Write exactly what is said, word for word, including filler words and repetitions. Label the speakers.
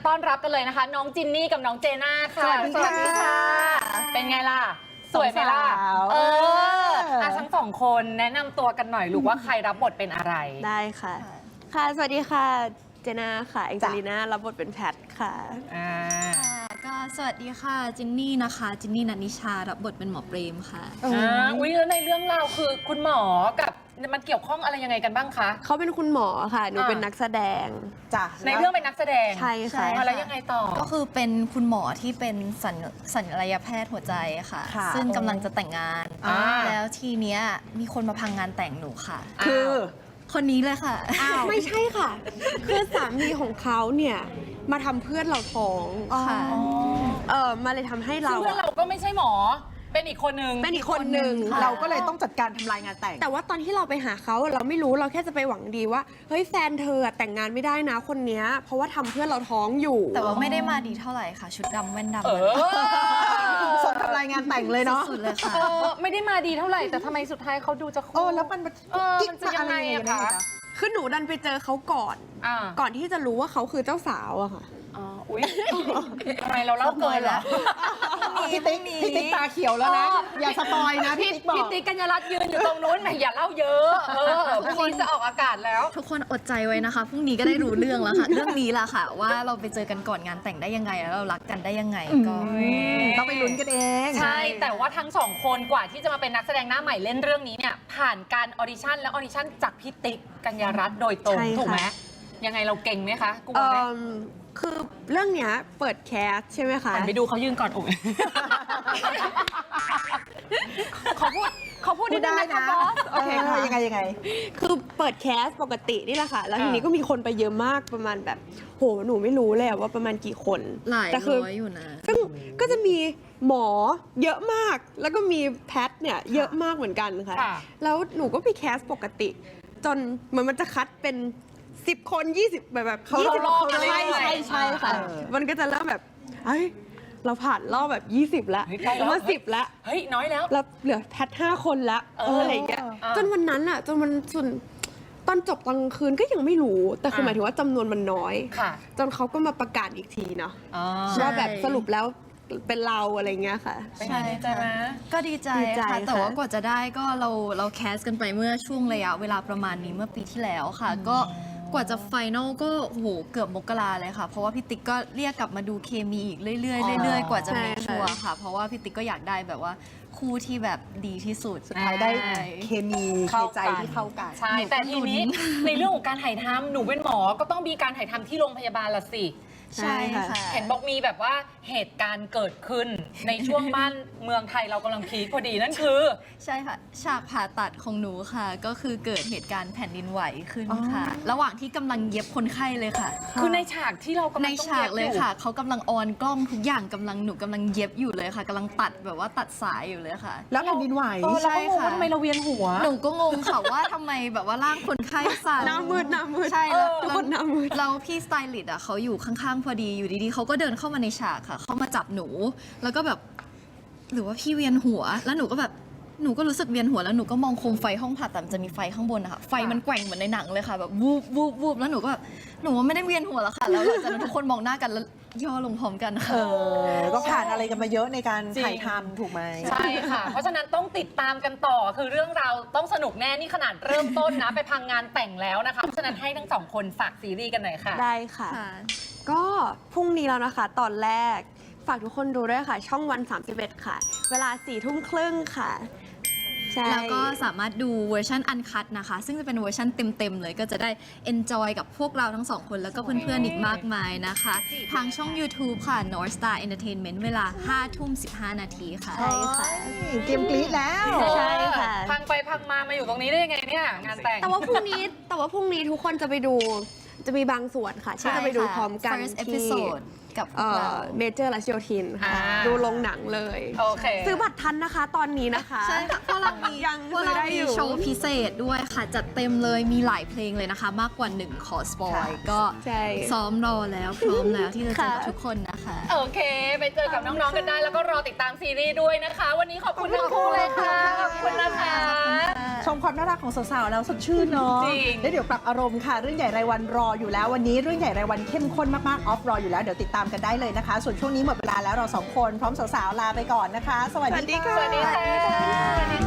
Speaker 1: ต้อนรับกันเลยนะคะน้องจินนี่กับน้องเจน่าค่ะ
Speaker 2: สวัสดีค่ะ
Speaker 1: เป็นไงล่ะสวยไหมล่ะเอออ่ะทั้งสองคนแนะนำตัวกันหน่อยลูกว่าใครรับบทเป็นอะไร
Speaker 2: ได้ค่ะค่ะสวัสดีค่ะเจน่าค่ะแองเจลิน่ารับบทเป็นแพทค่ะ
Speaker 1: อ่า
Speaker 3: ก็สวัสดีค่ะจินนี่นะคะจินนี่นันนิชารับบทเป็นหมอเปรมค่ะ
Speaker 1: อ่าอุ้ยแล้วในเรื่องราวคือคุณหมอกับมันเกี่ยวข้องอะไรยังไงกันบ้างคะ
Speaker 2: เขาเป็นคุณหมอค่ะหนูเป็นนักแสดง
Speaker 1: จ้ะในเรื่องเป็นนักแสดง
Speaker 2: ใช่ค่ะ
Speaker 1: แล้วยังไงต่อ
Speaker 3: ก็คือเป็นคุณหมอที่เป็นสัญสัญญาแพทย์หัวใจค่ะซึ่งกำลังจะแต่งงานแล้วทีเนี้ยมีคนมาพังงานแต่งหนูค่ะ
Speaker 2: คือ
Speaker 3: คนนี้เลยค่ะ
Speaker 2: ไม่ใช่ค่ะคือสามีของเขาเนี่ยมาทำเพื่อนเราท้อง
Speaker 3: ค่ะ
Speaker 2: เออมาเลยทำให้เรา
Speaker 1: เพื่อนเราก็ไม่ใช่หมอเป็นอีกคนนึง
Speaker 2: เป็นอีกคนนึง
Speaker 4: เราก็เลยต้องจัดการทำลายงานแต่ง
Speaker 2: แต่ว่าตอนที่เราไปหาเขาเราไม่รู้เราแค่จะไปหวังดีว่าเฮ้ยแฟนเธอแต่งงานไม่ได้นะคนเนี้ยเพราะว่าทำเพื่อนเราท้องอยู่
Speaker 3: แต่ว่าไม่ได้มาดีเท่าไหร่ค่ะชุดดำแว่นด
Speaker 4: ำส่งทำลายงานแต่งเลยเนาะ
Speaker 3: สุดเลยค่ะ
Speaker 1: ไม่ได้มาดีเท่าไหร่แต่ทำไมสุดท้ายเขาดูจะ
Speaker 4: โอ้แล้วมัน
Speaker 1: กิ๊กจะยังไงอะคะ
Speaker 2: คือหนูดันไปเจอเขาก่อนก่อนที่จะรู้ว่าเขาคือเจ้าสาวอะค่ะ
Speaker 1: อ๋ออุ้ยทำไมเราเล่าเกินเหรอ
Speaker 4: พี่ติ๊กพี่ติ๊กตาเขียวแล้วนะอย่าสปอยนะพี่ติ๊กบอก
Speaker 1: พี่ติ๊กกัญญารัตน์ยืนอยู่ตรงนู้นแหมอย่าเล่าเยอะเออพรุ่งนี้จะออกอากาศแล้ว
Speaker 3: ทุกคนอดใจไว้นะคะพรุ่งนี้ก็ได้รู้เรื่องแล้วค่ะเรื่องนี้แหละค่ะว่าเราไปเจอกันก่อนงานแต่งได้ยังไงแล้วเรารักกันได้ยังไงก็
Speaker 4: ต้องไปลุ้นกันเอง
Speaker 1: ใช่แต่ว่าทั้งสองคนกว่าที่จะมาเป็นนักแสดงหน้าใหม่เล่นเรื่องนี้เนี่ยผ่านการออดิชั่นและออดิชั่นจากพี่ติ๊กกัญญารัตน์โดยตรงถูกไหมยังไงเราเก่งไหมคะกูบอกไหม
Speaker 2: คือเรื่องเนี้ยเปิดแคสใช่ไหมคะ
Speaker 1: ไปดูเขายืนก่อนโอ้ยเขาพูดเขาพูดได้นะ
Speaker 4: โอเคค่ะยังไงยังไง
Speaker 2: คือเปิดแคสปกตินี่แหละค่ะแล้วทีนี้ก็มีคนไปเยอะมากประมาณแบบโหหนูไม่รู้เลยว่าประมาณกี่คน
Speaker 3: หลายร้อยอยู่นะ
Speaker 2: ก็ก็จะมีหมอเยอะมากแล้วก็มีแพทเนี่ยเยอะมากเหมือนกันค่ะแล้วหนูก็ไปแคสปกติจนเหมือนมันจะคัดเป็นสิบคนยี่สิบแบบแบบ
Speaker 1: เขารอบใช่
Speaker 2: ใช่ใช่ค่ะมันก็จะเริ่มแบบเฮ้ยเราผ่านรอบแบบยี่สิบแล้วเรามาสิบแล้ว
Speaker 1: เฮ้ยน้อยแล้ว
Speaker 2: แล้วเหลือแพทห้าคนละอะไรอย่างเงี้ยจนวันนั้นอะจนมันจนตอนจบตอนกลางคืนก็ยังไม่รู้แต่คือหมายถึงว่าจำนวนมันน้อยจนเขาก็มาประกาศอีกทีเนาะว่าแบบสรุปแล้วเป็นเราอะไรเงี้ยค่ะ
Speaker 1: ใช่ใช่ไหม
Speaker 3: ก็ดีใจค่ะแต่ว่ากว่าจะได้ก็เราเราแคสกันไปเมื่อช่วงระยะเวลาประมาณนี้เมื่อปีที่แล้วค่ะก็กว่าจะไฟนอลก็โหเกือบมกราเลยค่ะเพราะว่าพี่ติ๊กก็เรียกกลับมาดูเคมีอีกเรื่อยๆเรื่อยๆกว่าจะมีชัวร์ค่ะเพราะว่าพี่ติ๊กก็อยากได้แบบว่าคู่ที่แบบดีที่สุด
Speaker 4: สุดท้ายได้เคมีเคใจที่เข้ากัน
Speaker 1: ใช่แต่ทีนี้ในเรื่องของการถ่ายทำหนูเป็นหมอก็ต้องมีการถ่ายทำที่โรงพยาบาลละสิ
Speaker 3: ใช่ค่ะ
Speaker 1: เห็นบอกมีแบบว่าเหตุการณ์เกิดขึ้นในช่วงบ้านเมืองไทยเรากำลังพีคพอดีนั่นคือ
Speaker 3: ใช่ค่ะฉากผ่าตัดของหนูค่ะก็คือเกิดเหตุการณ์แผ่นดินไหวขึ้นค่ะระหว่างที่กำลังเย็บคนไข้เลยค่ะ
Speaker 1: คือในฉากที่เรากำลัง
Speaker 3: ในฉากเลยค่ะเขากำลังออนกล้องทุกอย่างกำลังหนูกำลังเย็บอยู่เลยค่ะกำลังตัดแบบว่าตัดสายอยู่เลยค่ะ
Speaker 4: แล้วแผ่นดินไหว
Speaker 1: ใช่ค่ะทำไมเราเวียนหัว
Speaker 3: หนูก็งงค่ะว่าทำไมแบบว่าร่างคนไข้สั่น
Speaker 2: หน้ามืดหน้ามืด
Speaker 3: ใช่แล้วทุกคนหน้ามืดเราพี่สไตลิสต์อ่ะเขาอยู่ข้างๆพอดีอยู่ดีๆเขาก็เดินเข้ามาในฉากค่ะเขามาจับหนูแล้วก็แบบหรือว่าพี่เวียนหัวแล้วหนูก็แบบหนูก็รู้สึกเวียนหัวแล้วหนูก็มองโคมไฟห้องผ่าตัดจะมีไฟข้างบนนะคะไฟมันแกว่งเหมือนในหนังเลยค่ะแบบวูบวูบวูบแล้วหนูก็แบบหนูว่าไม่ได้เวียนหัวแล้วค่ะแล้วหลังจากนั้นทุกคนมองหน้ากันแล้วย่อลงพร้อมกันค่ะ
Speaker 4: ก็ผ่านอะไรกันมาเยอะในการถ่ายทำถูกไหม
Speaker 1: ใช่ค่ะเพราะฉะนั้นต้องติดตามกันต่อคือเรื่องราวต้องสนุกแน่นี่ขนาดเริ่มต้นนะไปพังงานแต่งแล้วนะคะเพราะฉะนั้นให้ทั้งสองคนฝากซีรีส์กันหน่อยค่ะ
Speaker 2: ได้ค่ะก็พรุ่งนี้แล้วนะคะตอนแรกฝากทุกคนดูด้วยค่ะช่องวันสามสิบเอ็ดค่ะเวลาสี่ทุ่มครึ่งค่ะ
Speaker 3: แล้วก็สามารถดูเวอร์ชันอันคัทนะคะซึ่งจะเป็นเวอร์ชันเต็มๆเลยก็จะได้ enjoy กับพวกเราทั้งสองคนแล้วก็เพื่อนๆอีกมากมายนะคะทางช่อง YouTube ค่ะ North Star Entertainment เวลาห้าทุ่มสิบห้านาทีค่ะ
Speaker 2: ใช่ค่ะ
Speaker 4: เตรียมกรี๊ดแล้ว
Speaker 2: ใช่ค่ะ
Speaker 1: พังไปพังมามาอยู่ตรงนี้ได้ยังไงเนี่ยงานแต่ง
Speaker 2: แต่ว่าพรุ่งนี้แต่ว่าพรุ่งนี้ทุกคนจะไปดูจะมีบางส่วนค่ะที่จะไปดูพร้อมกันที่
Speaker 3: กับ
Speaker 2: เมเจอร์รัชโยธินค่ะดูลงหนังเลยซื้อบัตรทันนะคะตอนนี้นะคะ
Speaker 3: ใช่ค่ะเพราะเรามี
Speaker 2: ยัง
Speaker 3: เพราะเรามีโชว์พิเศษด้วยค่ะจัดเต็มเลยมีหลายเพลงเลยนะคะมากกว่าหนึ่งขอสปอยก็ซ้อมรอแล้วพร้อมแล้วที่จะเจอกับทุกคนนะคะ
Speaker 1: โอเคไปเจอกับน้องๆกันได้แล้วก็รอติดตามซีรีส์ด้วยนะคะวันนี้ขอบคุณทั้งคู่เลยค่ะขอบคุณนะคะ
Speaker 4: ชมความน่ารักของสาวๆแล้วสดชื่นเนาะ
Speaker 1: จริง
Speaker 4: แล้วเดี๋ยวปรับอารมณ์ค่ะ เรื่องใหญ่รายวันรออยู่แล้ววันนี้เรื่องใหญ่รายวันเข้มข้นมากๆออฟรออยู่แล้วเดี๋ยวติดตามกันได้เลยนะคะ ส่วนช่วงนี้หมดเวลาแล้วเราสองคนพร้อมสาวๆลาไปก่อนนะคะ สวัสดีค่ะ
Speaker 1: สวัสดีค่ะ